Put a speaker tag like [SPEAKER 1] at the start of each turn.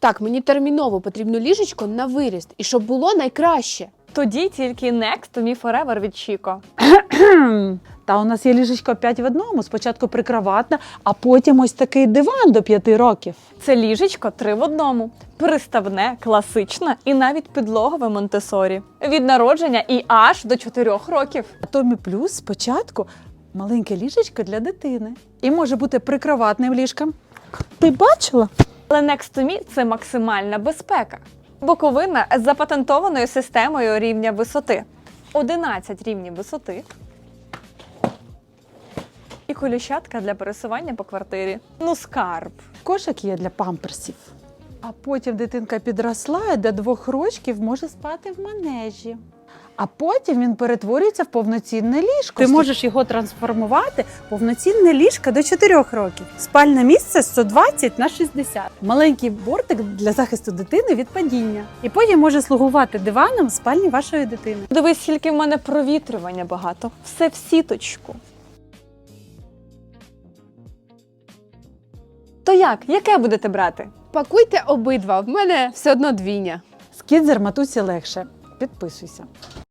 [SPEAKER 1] Так, мені терміново потрібно ліжечко на виріст, і щоб було найкраще.
[SPEAKER 2] Тоді тільки Next to Me Forever від Chico.
[SPEAKER 3] Та у нас є ліжечко 5 в одному. Спочатку прикроватна, а потім ось такий диван до 5 років.
[SPEAKER 2] Це ліжечко 3 в одному. Приставне, класичне і навіть підлогове Монтесорі. Від народження і аж до 4 років.
[SPEAKER 3] А Томі Плюс спочатку маленьке ліжечко для дитини. І може бути прикроватним ліжком. Ти бачила?
[SPEAKER 2] Але Next to Me – це максимальна безпека. Боковина з запатентованою системою рівня висоти. 11 рівнів висоти. І колющатка для пересування по квартирі. Ну, скарб.
[SPEAKER 3] Кошик є для памперсів. А потім дитинка підросла і до 2 років може спати в манежі. А потім він перетворюється в повноцінне ліжко. Ти можеш його трансформувати в повноцінне ліжко до 4 років. Спальне місце 120 на 60. Маленький бортик для захисту дитини від падіння. І потім може слугувати диваном в спальні вашої дитини.
[SPEAKER 2] Дивись, скільки в мене провітрювання багато. Все в сіточку. То як? Яке будете брати?
[SPEAKER 1] Пакуйте обидва, в мене все одно двійня.
[SPEAKER 3] З Кідзер матусі легше. Підписуйся.